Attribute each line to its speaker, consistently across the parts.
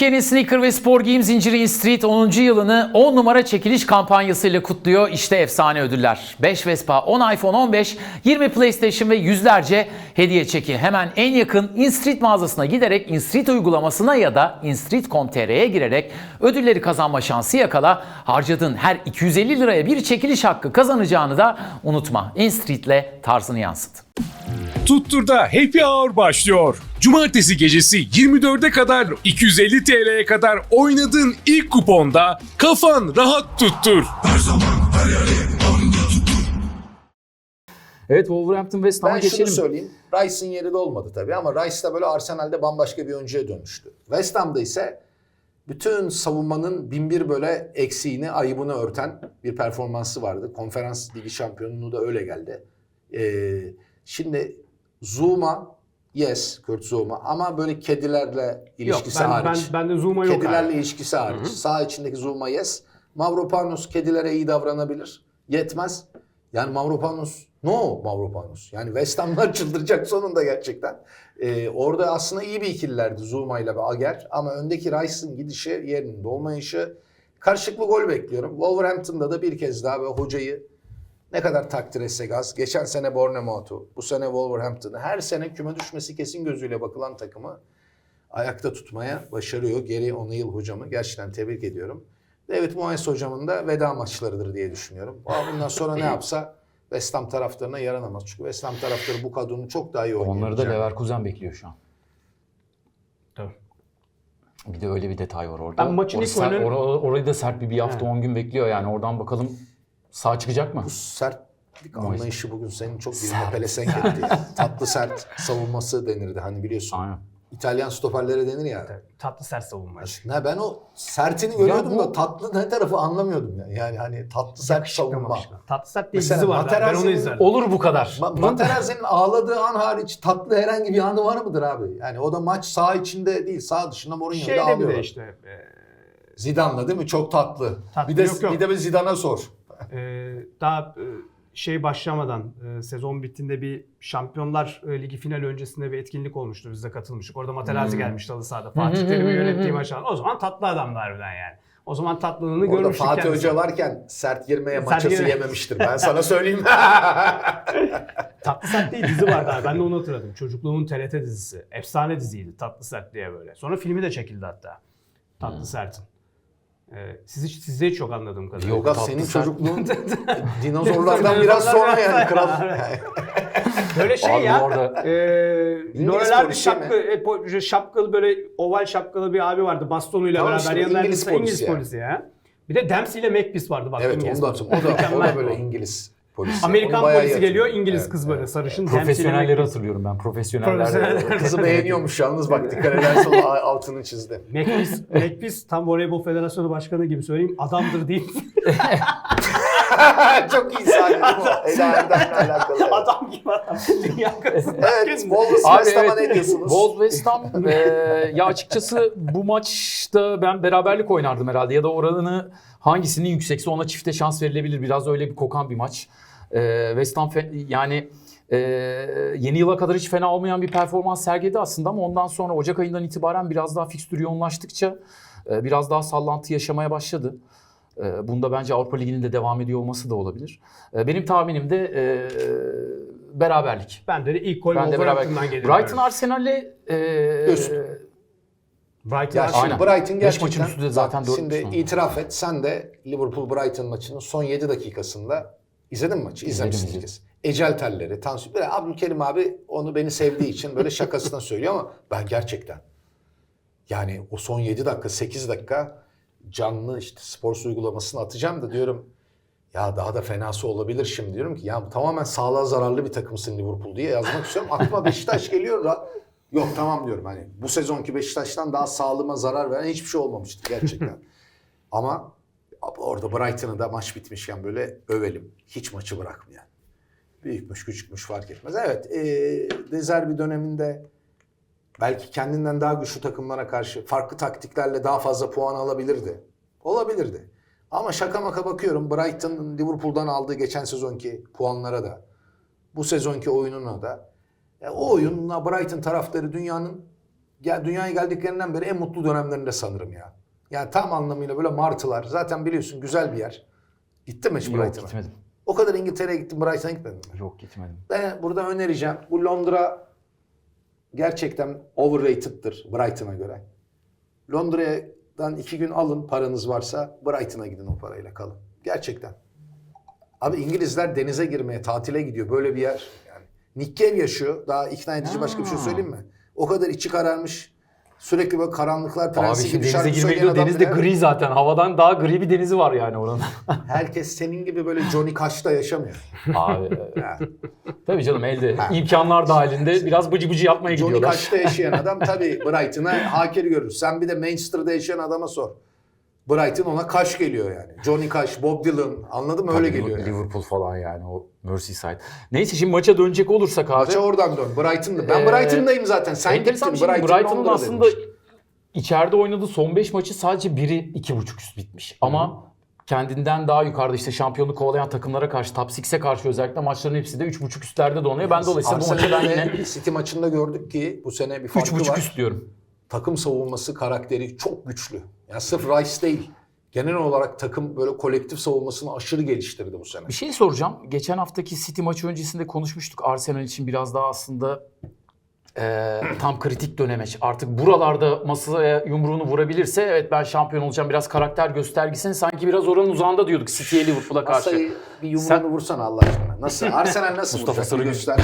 Speaker 1: Türkiye'nin sneaker ve spor giyim zinciri InStreet 10. yılını 10 numara çekiliş kampanyasıyla kutluyor. İşte efsane ödüller. 5 Vespa, 10 iPhone 15, 20 PlayStation ve yüzlerce hediye çeki. Hemen en yakın InStreet mağazasına giderek InStreet uygulamasına ya da instreet.com.tr'ye girerek ödülleri kazanma şansı yakala. Harcadığın her 250 liraya bir çekiliş hakkı kazanacağını da unutma. InStreet'le tarzını yansıt.
Speaker 2: Tuttur'da Happy Hour başlıyor. Cumartesi gecesi 24'e kadar 250 TL'ye kadar oynadığın ilk kuponda kafan rahat tuttur.
Speaker 3: Her zaman her yere anında tuttur.
Speaker 1: Evet, Wolverhampton West Ham'a
Speaker 4: Ben
Speaker 1: geçelim.
Speaker 4: şunu söyleyeyim. Rice'ın yeri de olmadı tabii ama Rice da böyle Arsenal'de bambaşka bir oyuncuya dönüştü. West Ham'da ise bütün savunmanın binbir böyle eksiğini, ayıbını örten bir performansı vardı. Konferans Ligi şampiyonluğu da öyle geldi. Şimdi Zouma, yes, Kurt Zouma ama böyle kedilerle ilişkisi hariç.
Speaker 5: Ben de Zouma yok
Speaker 4: Kedilerle
Speaker 5: abi.
Speaker 4: ilişkisi hariç. Sağ içindeki Zouma yes. Mavropanos kedilere iyi davranabilir. Yetmez. Yani Mavropanos, no Mavropanos. Yani West Ham'lar çıldıracak sonunda gerçekten. Orada aslında iyi bir ikililerdi Zouma ile ve Ager. Ama öndeki Rice'ın gidişi, yerinin dolmayışı. Karşılıklı gol bekliyorum. Wolverhampton'da da bir kez daha ve hocayı ne kadar takdir etsek az. Geçen sene Bournemouth'u, bu sene Wolverhampton'ı, her sene küme düşmesi kesin gözüyle bakılan takımı ayakta tutmaya başarıyor. Gary O'Neill hocamı gerçekten tebrik ediyorum. David Moyes hocamın da veda maçlarıdır diye düşünüyorum. Bundan sonra ne yapsa West Ham taraftarına yaranamaz. Çünkü West Ham taraftarı bu kadronun çok daha iyi oynayabileceğini.
Speaker 1: Onları da Leverkusen bekliyor şu an.
Speaker 5: Tabii.
Speaker 1: Bir de öyle bir detay var orada.
Speaker 5: Ben maçın ilk oyunun...
Speaker 1: Orayı da sert bir hafta 10 gün bekliyor yani. Oradan bakalım sağ çıkacak mı?
Speaker 4: Bu sertlik anlayışı bugün senin çok diline pelesenk etti. Tatlı sert savunması denirdi hani biliyorsun.
Speaker 1: Aynen.
Speaker 4: İtalyan stoperlere denir ya.
Speaker 5: Tatlı sert savunma.
Speaker 4: Ne ben o sertini görüyordum da tatlı ne tarafı anlamıyordum yani. Yani hani tatlı sert savunma.
Speaker 5: Tatlı sert diye
Speaker 4: Mesela
Speaker 5: dizi var. Ben onu
Speaker 4: Materazzi'nin-
Speaker 5: izledim.
Speaker 1: Olur bu kadar.
Speaker 4: Materazzi'nin ağladığı an hariç tatlı herhangi bir anı var mıdır abi? Yani o da maç saha içinde değil, saha dışında Mourinho'da
Speaker 5: Şeyde bir
Speaker 4: ağlıyor.
Speaker 5: de işte
Speaker 4: Zidane'la değil mi? Çok tatlı.
Speaker 5: Tatlı,
Speaker 4: bir de
Speaker 5: yok.
Speaker 4: bir de bir Zidane'a sor.
Speaker 5: daha şey başlamadan sezon bittiğinde bir Şampiyonlar Ligi finali öncesinde bir etkinlik olmuştu. Biz de katılmıştık. Orada Materazzi gelmişti halı sahada. Fatih Terim'in yönettiği maçlar. O zaman tatlı adamdı harbiden yani. O zaman tatlılığını
Speaker 4: Orada
Speaker 5: görmüştük
Speaker 4: Fatih
Speaker 5: kendisi.
Speaker 4: Hoca varken sert girmeye
Speaker 5: Sert
Speaker 4: maçası
Speaker 5: girme-
Speaker 4: yememiştir. Ben sana söyleyeyim.
Speaker 5: Tatlı Sert diye dizi vardı abi. Ben de onu hatırladım. Çocukluğumun TRT dizisi. Efsane diziydi Tatlı Sert diye böyle. Sonra filmi de çekildi hatta. Tatlı Sert'in. Sizde hiç yok anladığım kadarıyla.
Speaker 1: Yok.
Speaker 4: Yok
Speaker 1: tatlı
Speaker 4: senin
Speaker 1: sert.
Speaker 4: çocukluğun dinozorlardan biraz sonra yani kral.
Speaker 5: Böyle şey
Speaker 1: Abi
Speaker 5: ya.
Speaker 1: orada-
Speaker 5: Loreler bir
Speaker 4: polisi
Speaker 5: şapkalı böyle oval şapkalı bir abi vardı bastonuyla
Speaker 4: Tamam
Speaker 5: beraber
Speaker 4: işte,
Speaker 5: yanında
Speaker 4: İngiliz polisi ya.
Speaker 5: polisi ya. Bir de Dempsey ile Makepeace vardı bak.
Speaker 4: Evet
Speaker 5: İngiliz
Speaker 4: onu da
Speaker 5: polisi.
Speaker 4: hatırlıyorum. O da
Speaker 5: Mükemmel.
Speaker 4: İngiliz polisi.
Speaker 5: Amerikan
Speaker 4: Onu bayağı
Speaker 5: polisi
Speaker 4: iyi
Speaker 5: geliyor,
Speaker 4: hatırlıyorum.
Speaker 5: İngiliz
Speaker 4: Evet,
Speaker 5: kız böyle
Speaker 4: evet.
Speaker 5: sarışın. Dempsey ile
Speaker 1: Profesyonelleri
Speaker 5: Makepeace.
Speaker 1: hatırlıyorum ben. Profesyoneller.
Speaker 5: Profesyoneller.
Speaker 4: Kızı beğeniyormuş yalnız bak dikkat edersen o altını çizdi.
Speaker 5: Makepeace tam Voleybol Federasyonu Başkanı gibi söyleyeyim adamdır deyip
Speaker 4: Çok iyi sahne bu. Ela Erdem'le alakalı. Evet.
Speaker 5: adam gibi adam. Dünya kadası.
Speaker 4: Evet, Wolves
Speaker 1: Abi
Speaker 4: West Ham'a
Speaker 1: evet.
Speaker 4: ne diyorsunuz?
Speaker 1: Wolves West Ham ya açıkçası bu maçta ben beraberlik oynardım herhalde ya da oranı hangisinin yüksekse ona çifte şans verilebilir. Biraz öyle bir kokan bir maç. West Ham yani yeni yıla kadar hiç fena olmayan bir performans sergiledi aslında ama ondan sonra Ocak ayından itibaren biraz daha fikstür yoğunlaştıkça biraz daha sallantı yaşamaya başladı. Bunda bence Avrupa Ligi'nin de devam ediyor olması da olabilir. Benim tahminim de beraberlik.
Speaker 5: Ben de ilk gol
Speaker 1: Ben de
Speaker 5: Wolverhampton'dan
Speaker 1: beraber.
Speaker 5: geliyor.
Speaker 1: Brighton Arsenal'le
Speaker 4: Üst.
Speaker 5: Brighton
Speaker 4: Ya şimdi
Speaker 1: Aynen.
Speaker 4: Brighton
Speaker 1: Beş
Speaker 4: gerçekten
Speaker 1: maçın üstü de zaten dört
Speaker 4: şimdi
Speaker 1: maç.
Speaker 4: itiraf et sen de Liverpool-Brighton maçının son 7 dakikasında izledin mi maçı? İzlemişsin
Speaker 1: İzledim.
Speaker 4: kez. Ecel telleri, tansiyon. Böyle Abdülkerim abi onu beni sevdiği için böyle şakasına söylüyor ama ben gerçekten yani o son 7 dakika 8 dakika canlı işte spor uygulamasını atacağım da diyorum ya daha da fenası olabilir şimdi diyorum ki ya tamamen sağlığa zararlı bir takımsın Liverpool diye yazmak istiyorum. Aklıma Beşiktaş geliyor da yok tamam diyorum hani bu sezonki Beşiktaş'tan daha sağlığıma zarar veren hiçbir şey olmamıştı gerçekten. Ama orada Brighton'ı da maç bitmişken böyle övelim. Hiç maçı bırakmayan. Büyükmüş küçükmüş fark etmez. Evet De Zerbi döneminde belki kendinden daha güçlü takımlara karşı farklı taktiklerle daha fazla puan alabilirdi. Olabilirdi. Ama şaka maka bakıyorum Brighton'ın Liverpool'dan aldığı geçen sezonki puanlara da bu sezonki oyununa da o oyunla Brighton taraftarı dünyanın ya dünyaya geldiklerinden beri en mutlu dönemlerinde sanırım ya. Yani tam anlamıyla böyle martılar. Zaten biliyorsun güzel bir yer. Gittin mi hiç
Speaker 1: Yok
Speaker 4: Brighton'a?
Speaker 1: gitmedim.
Speaker 4: O kadar İngiltere'ye gittim, Brighton'a gitmedin mi?
Speaker 1: Yok gitmedim.
Speaker 4: Ben burada önereceğim. Bu Londra gerçekten overrated'tır Brighton'a göre. Londra'dan 2 gün alın paranız varsa, Brighton'a gidin o parayla kalın. Gerçekten. Abi İngilizler denize girmeye, tatile gidiyor. Böyle bir yer. Yani Nick Cave yaşıyor. Daha ikna edici başka bir şey söyleyeyim mi? O kadar içi kararmış. Sürekli böyle karanlıklar
Speaker 1: Abi
Speaker 4: prensi
Speaker 1: şimdi
Speaker 4: gibi
Speaker 1: denize
Speaker 4: şarkı
Speaker 1: girmeye
Speaker 4: söyleyen
Speaker 1: gidiyor.
Speaker 4: adam
Speaker 1: Deniz de
Speaker 4: bile-
Speaker 1: gri zaten. Havadan daha gri bir denizi var yani oranın.
Speaker 4: Herkes senin gibi böyle Johnny Cash'ta yaşamıyor.
Speaker 1: Abi
Speaker 4: Ha.
Speaker 1: tabii canım elde
Speaker 4: Ha.
Speaker 1: imkanlar dahilinde biraz bıcı bıcı yapmaya
Speaker 4: Johnny
Speaker 1: gidiyorlar.
Speaker 4: Cash'ta yaşayan adam tabii Brighton'a hakir görür. Sen bir de Manchester'da yaşayan adama sor. Brighton ona Cash geliyor yani. Johnny Cash, Bob Dylan, anladın mı? Öyle
Speaker 1: Tabii
Speaker 4: geliyor. Yani.
Speaker 1: Liverpool falan yani o Merseyside. Neyse şimdi maça dönecek olursak abi.
Speaker 4: Maça oradan dön. Brighton'da. Ben
Speaker 1: Ee,
Speaker 4: Brighton'dayım zaten. Sen
Speaker 1: enteresan
Speaker 4: gittin.
Speaker 1: bir şey.
Speaker 4: Brighton,
Speaker 1: Brighton'ın
Speaker 4: Londra
Speaker 1: aslında
Speaker 4: demiş.
Speaker 1: içeride oynadığı son 5 maçı sadece biri 2.5 üst bitmiş. Ama kendinden daha yukarıda işte şampiyonluk kovalayan takımlara karşı, Top 6'e karşı özellikle maçların hepsi de 3.5 üstlerde donuyor. Ben dolayısıyla bu maçı ben yine
Speaker 4: Arsenal'le City maçında gördük ki bu sene bir farkı
Speaker 1: 3.5
Speaker 4: var.
Speaker 1: üst diyorum.
Speaker 4: Takım savunması karakteri çok güçlü. Yani sırf Rice değil. Genel olarak takım böyle kolektif savunmasını aşırı geliştirdi bu sene.
Speaker 1: Bir şey soracağım. Geçen haftaki City maçı öncesinde konuşmuştuk. Arsenal için biraz daha aslında tam kritik dönemeç. Artık buralarda masaya yumruğunu vurabilirse evet ben şampiyon olacağım. Biraz karakter göstergisini sanki biraz oranın uzağında diyorduk City'ye Liverpool'a karşı.
Speaker 4: Masayı bir yumruğunu
Speaker 1: Sen-
Speaker 4: vursana Allah aşkına. Nasıl? Arsenal nasıl
Speaker 1: Mustafa
Speaker 4: vuracak? Bir
Speaker 1: Sarıgül.
Speaker 4: göster.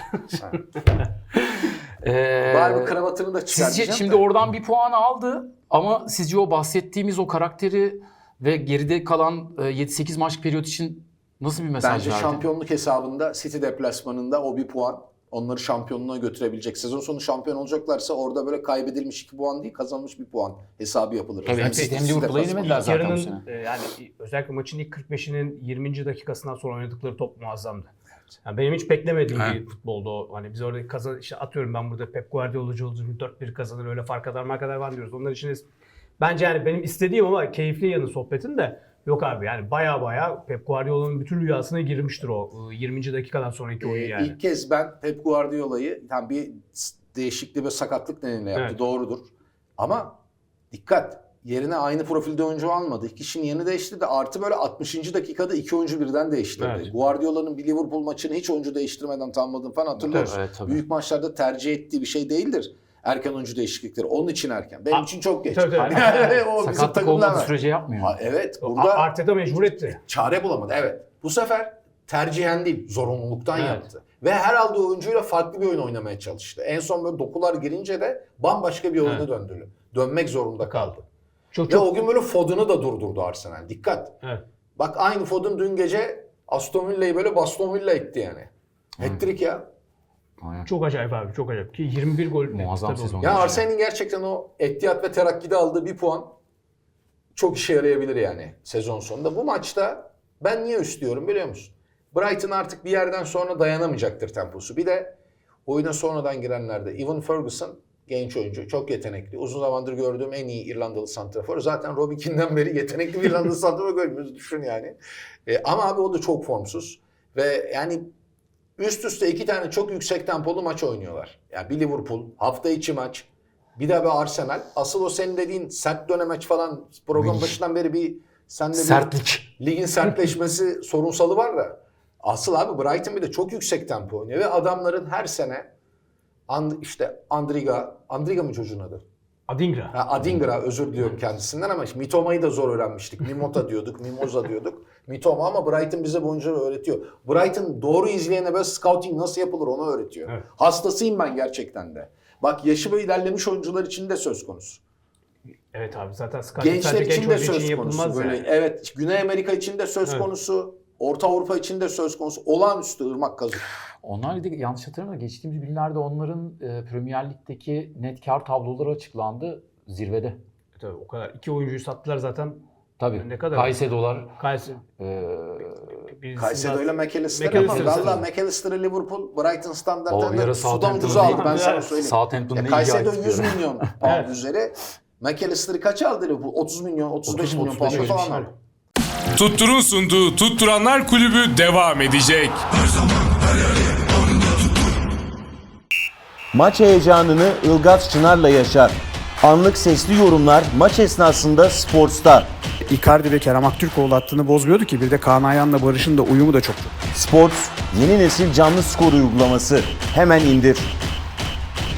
Speaker 4: Bari bir kravatını da
Speaker 1: Sizce
Speaker 4: çıkartacağım.
Speaker 1: şimdi oradan bir puan aldı ama sizce o bahsettiğimiz o karakteri ve geride kalan 7-8 maç periyot için nasıl bir mesaj
Speaker 4: Bence
Speaker 1: verdi?
Speaker 4: şampiyonluk hesabında City deplasmanında o bir puan onları şampiyonluğa götürebilecek. Sezon sonu şampiyon olacaklarsa orada böyle kaybedilmiş 2 puan değil, kazanmış bir puan hesabı yapılır.
Speaker 1: Tabii, hem City hem Liverpool'a
Speaker 4: deplasmanı.
Speaker 1: yenemediler zaten bu sene.
Speaker 5: Yarının yani özellikle maçın ilk 45'inin 20. dakikasından sonra oynadıkları top muazzamdı. Yani benim hiç beklemediğim bir futboldu o. Hani biz orada işte atıyorum ben burada Pep Guardiola'cı olduğum 4-1 kazanır öyle fark kadar var diyoruz. Onlar için bence yani benim istediğim ama keyifli yanı sohbetin de yok abi yani baya Pep Guardiola'nın bütün rüyasına girmiştir o 20. dakikadan sonraki oyun yani.
Speaker 4: İlk kez ben Pep Guardiola'yı tam bir değişikliği ve sakatlık nedeniyle yaptı.
Speaker 5: Evet.
Speaker 4: Doğrudur. Ama dikkat. Yerine aynı profilde oyuncu almadı. İki kişinin yerini değiştirdi. Artı böyle 60. dakikada 2 oyuncu birden değiştirdi.
Speaker 5: Evet.
Speaker 4: Guardiola'nın bir Liverpool maçını hiç oyuncu değiştirmeden tamamladığını falan hatırlıyoruz.
Speaker 1: Evet, tabii.
Speaker 4: Büyük maçlarda tercih ettiği bir şey değildir. Erken oyuncu değişiklikleri. Onun için erken. Benim için çok geç.
Speaker 5: Tabii.
Speaker 4: O bizim
Speaker 1: Sakatlık
Speaker 4: takımlar
Speaker 1: olmadığı
Speaker 4: var.
Speaker 1: sürece yapmıyor.
Speaker 4: Ha, evet. Burada
Speaker 5: Arteta mecbur etti.
Speaker 4: çare bulamadı. Evet. Bu sefer tercihen değil, zorunluluktan
Speaker 5: Evet.
Speaker 4: yaptı. Ve her aldığı oyuncuyla farklı bir oyun oynamaya çalıştı. En son böyle dokular girince de bambaşka bir oyuna
Speaker 5: Evet.
Speaker 4: döndü. Dönmek zorunda kaldı.
Speaker 5: Çok
Speaker 4: Ve o gün böyle Foden'ı da durdurdu Arsenal. Dikkat.
Speaker 5: Evet.
Speaker 4: Bak aynı Foden dün gece Aston Villa'yı böyle Baston Villa etti yani. Hat-trick ya.
Speaker 1: Aynen.
Speaker 5: Çok acayip abi çok acayip. Ki 21 gol
Speaker 1: Muazzam
Speaker 5: tabii
Speaker 1: sezon.
Speaker 5: oldu.
Speaker 4: Ya Arsenal'in gerçekten o Etihad ve Terakki'de aldığı bir puan çok işe yarayabilir yani sezon sonunda. Bu maçta ben niye üst diyorum biliyor musun? Brighton artık bir yerden sonra dayanamayacaktır temposu. Bir de oyuna sonradan girenlerde Evan Ferguson genç oyuncu, çok yetenekli. Uzun zamandır gördüğüm en iyi İrlandalı santrafor. Zaten Robbie Keane'den beri yetenekli bir İrlandalı santrafor görmüyoruz düşün yani. Ama abi o da çok formsuz. Ve yani üst üste 2 tane çok yüksek tempolu maç oynuyorlar. Yani bir Liverpool, hafta içi maç, bir de bir Arsenal. Asıl o senin dediğin sert dönemeç falan program başından beri bir sende bir
Speaker 1: Sertlik.
Speaker 4: ligin sertleşmesi sorunsalı var da. Asıl abi Brighton bir de çok yüksek tempo oynuyor ve adamların her sene işte Andriga mı çocuğun adı?
Speaker 5: Adingra.
Speaker 4: Ha, Adingra özür diliyorum kendisinden ama işte Mitoma'yı da zor öğrenmiştik. Mimota diyorduk, Mimoza diyorduk. Mitoma ama Brighton bize bu oyuncuları öğretiyor. Brighton doğru izleyene böyle scouting nasıl yapılır onu öğretiyor.
Speaker 5: Evet.
Speaker 4: Hastasıyım ben gerçekten de. Bak yaşı ve ilerlemiş oyuncular için de söz konusu.
Speaker 5: Evet abi zaten scouting
Speaker 4: Gençler
Speaker 5: sadece
Speaker 4: için
Speaker 5: genç
Speaker 4: de
Speaker 5: oyuncu
Speaker 4: söz konusu.
Speaker 5: yapılmaz
Speaker 4: Böyle,
Speaker 5: yani.
Speaker 4: evet, Güney Amerika için de söz
Speaker 5: Evet.
Speaker 4: konusu. Orta Avrupa için de söz konusu. Olağanüstü ırmak kazık.
Speaker 1: Onlar da yanlış hatırlamıyorum. Geçtiğimiz günlerde onların Premier Lig'deki net kar tabloları açıklandı zirvede.
Speaker 5: Tabii o kadar. 2 oyuncuyu sattılar zaten.
Speaker 1: Tabii.
Speaker 5: Ne kadar?
Speaker 1: Caicedo'lar
Speaker 5: Kayseri.
Speaker 4: Kayseri ile McAllister ama
Speaker 5: McAllister.
Speaker 4: valla McAllister'ı Liverpool Brighton
Speaker 1: O bir
Speaker 4: standartlarında
Speaker 1: ara
Speaker 4: sudan
Speaker 1: Southampton'da
Speaker 4: ucuza aldı
Speaker 1: değil
Speaker 4: ben
Speaker 1: mi?
Speaker 4: sana söyleyeyim.
Speaker 1: Southampton'da iyi
Speaker 4: Kayseri'de
Speaker 1: bir
Speaker 4: 100
Speaker 1: ayıp
Speaker 4: milyon pound
Speaker 5: Evet.
Speaker 4: üzeri. McAllister'ı kaça aldı Liverpool? 30 milyon, 35
Speaker 1: 30,
Speaker 4: milyon
Speaker 1: 35
Speaker 4: pound
Speaker 1: öyle bir
Speaker 4: falan
Speaker 1: şey.
Speaker 4: aldı.
Speaker 2: Tuttur'un sunduğu Tutturanlar Kulübü devam edecek.
Speaker 3: Her zaman her yerde onda tuttur.
Speaker 6: maç heyecanını Ilgaz Çınar'la yaşar. Anlık sesli yorumlar maç esnasında Sports'ta.
Speaker 7: Icardi ve Kerem Aktürkoğlu hattını bozmuyordu ki. Bir de Kaan Ayhan'la Barış'ın da uyumu da çok.
Speaker 6: Sports yeni nesil canlı skor uygulaması. Hemen indir.